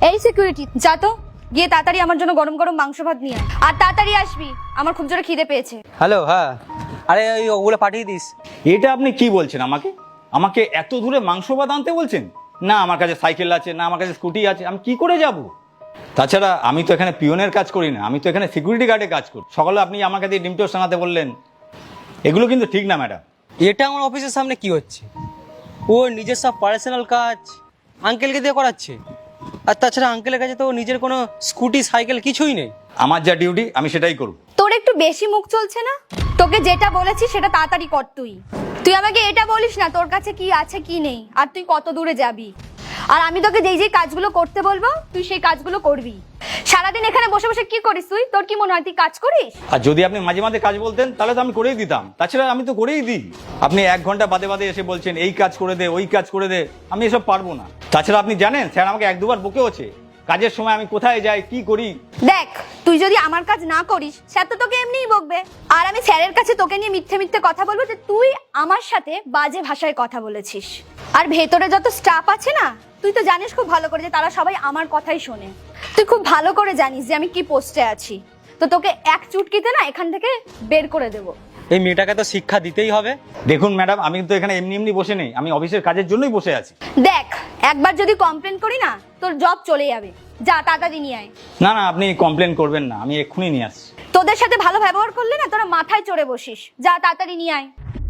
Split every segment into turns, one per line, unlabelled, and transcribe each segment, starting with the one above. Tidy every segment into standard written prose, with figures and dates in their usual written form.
এই সিকিউরিটি, যা তো গিয়ে তাড়াতাড়ি আমার জন্য গরম গরম মাংস ভাত নিয়ে আয়। আর তাড়াতাড়ি আসবি, আমার খুব জোরে খিদে পেয়েছে।
হ্যালো, হ্যাঁ, আরে ওই ওগুলো পাঠিয়ে দিস।
এটা আপনি কি বলছেন আমাকে? আমাকে এত দূরে মাংস ভাত আনতে বলছেন? না আমার কাছে সাইকেল আছে, না আমার কাছে স্কুটি আছে, আমি কি করে যাব? তাছাড়া আমি তো এখানে পিয়নের কাজ করি না, আমি তো এখানে সিকিউরিটি গার্ডে কাজ করি। সকালে আপনি আমার কাছে ডিম টোস্ট আনাতে বললেন, এগুলো কিন্তু ঠিক না ম্যাডাম।
এটা আমার অফিসের সামনে কি হচ্ছে? ও নিজের সব পার্সোনাল কাজ আঙ্কেলকে দিয়ে করাচ্ছে। আর তাছাড়া আঙ্কেলের কাছে তো নিজের কোনো স্কুটি সাইকেল কিছুই নেই।
আমার যা ডিউটি আমি সেটাই করব।
তোর একটু বেশি মুখ চলছে না? তোকে যেটা বলেছি সেটা তাড়াতাড়ি কর। তুই আমাকে এটা বলিস না তোর কাছে কি আছে কি নেই, আর তুই কত দূরে যাবি। আর আমি তোকে যেই যেই কাজগুলো করতে বলবো তুই সেই কাজগুলো করবি। সারাদিন এখানে বসে বসে কি করিস তুই? তোর কি মনে হয় তুই কাজ করিস?
আর যদি আপনি মাঝে মাঝে কাজ বলতেন তাহলে তো আমি করেই দিতাম। তাছাড়া আমি তো করেই দিই। আপনি 1 ঘন্টা বাদে বাদে এসে বলছেন এই কাজ করে দে, ওই কাজ করে দে, আমি এসব পারবো না। তাছাড়া আপনি জানেন স্যার আমাকে 1-2 বার বকেওছে কাজের সময় আমি কোথায় যাই কি করি।
দেখ, তুই যদি আমার কাজ না করিস স্যার তো তোকে এমনিই বকবে। আর আমি স্যারের কাছে তোকে নিয়ে মিথ্যে মিথ্যে কথা বলবো যে তুই আমার সাথে বাজে ভাষায় কথা বলেছিস। আর ভেতরে যত স্টাফ আছে না, তুই তো জানিস খুব ভালো করে যে তারা সবাই আমার কথাই শোনে। তুই খুব ভালো করে জানিস যে আমি কি পোস্টে আছি। তো তোকে এক চুটকিতে না এখান থেকে বের করে দেবো।
এই মেয়েটাকে তো শিক্ষা দিতেই হবে।
দেখুন ম্যাডাম, আমি তো এখানে এমনি এমনি বসে নেই, আমি অফিসের কাজের জন্যই বসে আছি।
দেখ, একবার যদি কমপ্লেন করি না তোর জব চলে যাবে। যা তাড়াতাড়ি নিয়ে আয়।
না না, আপনি কমপ্লেন করবেন না, আমি এক্ষুনি নিয়ে আসছি।
তোদের সাথে ভালো ব্যবহার করলে না তোরা মাথায় চড়ে বসিস। যা তাড়াতাড়ি নিয়ে আয়।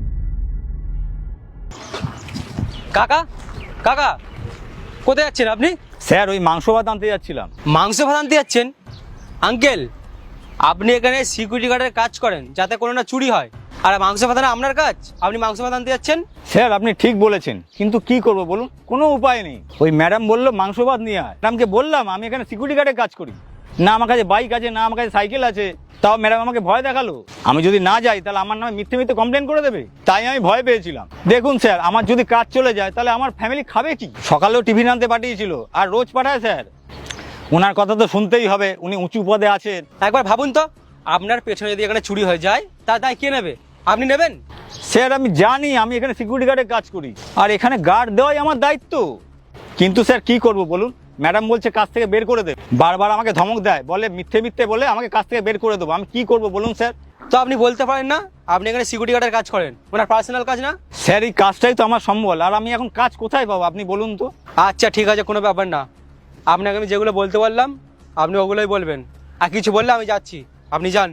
কাকা, কাকা, কোথায় যাচ্ছেন আপনি?
স্যার ওই মাংস ভাত আনতে যাচ্ছিলাম।
মাংস ভাত আনতে যাচ্ছেন? আঙ্কেল, আপনি এখানে সিকিউরিটি গার্ডের কাজ করেন যাতে কোনো না চুরি হয়, আর মাংস ভাত আনা আপনার কাজ? আপনি মাংস ভাত আনতে যাচ্ছেন?
স্যার আপনি ঠিক বলেছেন, কিন্তু কি করব বলুন, কোনো উপায় নেই। ওই ম্যাডাম বললো মাংস ভাত নিয়ে আয়। ম্যাডামকে বললাম আমি এখানে সিকিউরিটি গার্ডে কাজ করি, না আমার কাছে বাইক আছে, না আমার কাছে সাইকেল আছে। তাও ম্যাডাম আমাকে ভয় দেখালো, আমি যদি না যাই তাহলে আমার নামে মিথ্যে মিথ্যে কমপ্লেন করে দেবে। তাই আমি ভয় পেয়েছিলাম। দেখুন স্যার, আমার যদি কাজ চলে যায় তাহলে আমার ফ্যামিলি খাবে কি? সকালেও টিফিন আনতে পাঠিয়েছিল, আর রোজ পাঠায় স্যার। ওনার কথা তো শুনতেই হবে, উনি উঁচু পদে আছেন।
একবার ভাবুন তো, আপনার পেছনে যদি এখানে চুরি হয়ে যায় তা দায় কে নেবে? আপনি নেবেন?
স্যার আমি জানি আমি এখানে সিকিউরিটি গার্ডে কাজ করি, আর এখানে গার্ড দেওয়াই আমার দায়িত্ব। কিন্তু স্যার কি করব বলুন, ম্যাডাম বলছে কাজ থেকে বের করে দেবে, বারবার আমাকে ধমক দেয়, বলে মিথ্যে মিথ্যে বলে আমাকে কাজ থেকে বের করে দেবো। আমি কি করব বলুন স্যার?
তো আপনি বলতে পারেন না আপনি এখানে সিকিউরিটি গার্ডের কাজ করেন, ওনার পার্সোনাল কাজ না?
স্যার এই কাজটাই তো আমার সম্বল, আর আমি এখন কাজ কোথায় পাবো আপনি বলুন তো?
আচ্ছা ঠিক আছে, কোনো ব্যাপার না। আপনাকে আমি যেগুলো বলতে বললাম আপনি ওগুলোই বলবেন, আর কিছু বললে আমি যাচ্ছি, আপনি যান।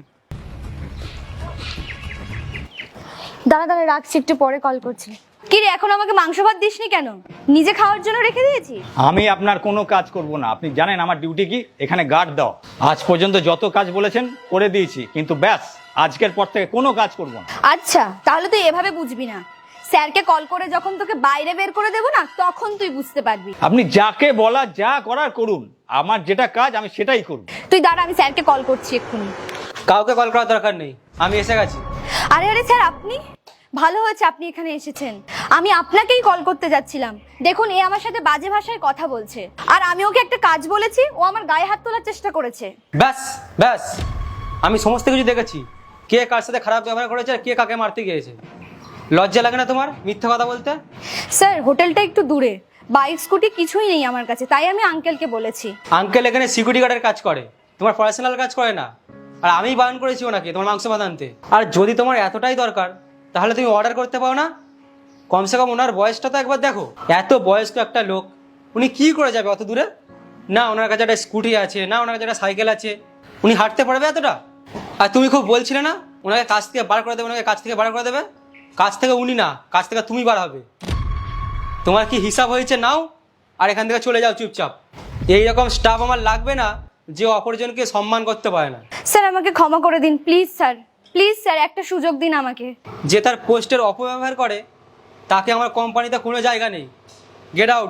দাঁড়া দাঁড়া, রাখছি, একটু পরে কল করছি। কি রে, এখন আমাকে মাংস ভাত দিসনি কেন? নিজে খাওয়ার জন্য রেখে দিয়েছি।
আমি আপনার কোনো কাজ করব না, আপনি জানেন আমার ডিউটি কি, এখানে গার্ড দাও। আজ পর্যন্ত যত কাজ বলেছেন করে দিয়েছি, কিন্তু ব্যাস আজকের পর থেকে কোনো কাজ করব না।
আচ্ছা, তাহলে তুই এভাবে বুঝবি না। স্যারকে কল করে যখন তোকে বাইরে বের করে দেবো না, তখন তুই বুঝতে পারবি।
আপনি যাকে বলা যা করার করুন, আমার যেটা কাজ আমি সেটাই করব।
তুই দাঁড়া, আমি স্যারকে কল করছি এক্ষুনি।
কাউকে কল করার দরকার নেই, আমি এসে গেছি।
আরে আরে স্যার, আপনি? ভালো হয়েছে আপনি এখানে এসেছেন। আমি আপনাকেই কল করতে যাচ্ছিলাম। দেখুন, এ আমার সাথে বাজে ভাষায় কথা বলছে, আর আমি ওকে একটা কাজ বলেছি, ও আমার গায়ে হাত তোলার চেষ্টা করেছে।
ব্যাস ব্যাস, আমি সমস্ত কিছু দেখেছি, কে কার সাথে খারাপ ব্যবহার করেছে আর কে কাকে মারতে গিয়েছে। লজ্জা লাগে না তোমার মিথ্যা কথা বলতে?
স্যার, হোটেলটা একটু দূরে, বাইক স্কুটি কিছুই নেই আমার কাছে, তাই আমি আঙ্কেলকে বলেছি।
আঙ্কেল এখানে সিকিউরিটি গার্ডের কাজ করে, তোমার পার্সোনাল কাজ করে না। আর আমি বারণ করেছি ওনাকে তোমার মাংস ভাত আনতে। আর যদি তোমার এতটাই দরকার তাহলে তুমি অর্ডার করতে পারো না? কমসে কম ওনার বয়সটা তো একবার দেখো। এত বয়স্ক একটা লোক, উনি কি করে যাবে অত দূরে? না ওনার কাছে একটা স্কুটি আছে, না ওনার কাছে একটা সাইকেল আছে, উনি হাঁটতে পারবে এতটা? আর তুমি খুব বলছিলে না ওনাকে কাজ থেকে বার করে দেবে, ওনাকে কাজ থেকে বার করে দেবে। কাজ থেকে উনি না, কাজ থেকে তুমি বার হবে। তোমার কি হিসাব হয়েছে নাও, আর এখান থেকে চলে যাও চুপচাপ। এইরকম স্টাফ আমার লাগবে না যে অপরজনকে সম্মান করতে পারে না।
স্যার, আমাকে ক্ষমা করে দিন প্লিজ স্যার, প্লিজ স্যার, একটা সুযোগ দিন আমাকে।
যে তার পোস্টের অপব্যবহার করে তাকে আমার কোম্পানিতে কোনো জায়গা নেই। Get out.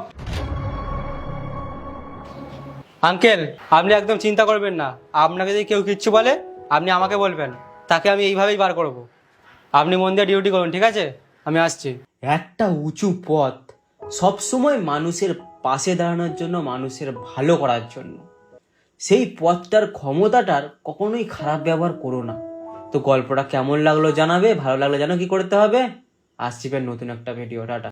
আঙ্কেল, আপনি একদম চিন্তা করবেন না, আপনাকে যদি কেউ কিচ্ছু বলে আপনি আমাকে বলবেন, তাকে আমি এইভাবেই বার করব। আপনি মন দিয়ে ডিউটি করুন, ঠিক আছে? আমি আসছি।
একটা উঁচু পথ সবসময় মানুষের পাশে দাঁড়ানোর জন্য, মানুষের ভালো করার জন্য। সেই পথটার ক্ষমতাটার কখনোই খারাপ ব্যবহার করো না। তো গল্পটা কেমন লাগলো জানাবে, ভালো লাগলো জানো কি করতে হবে। আসছি ফের নতুন একটা ভিডিও। টাটা।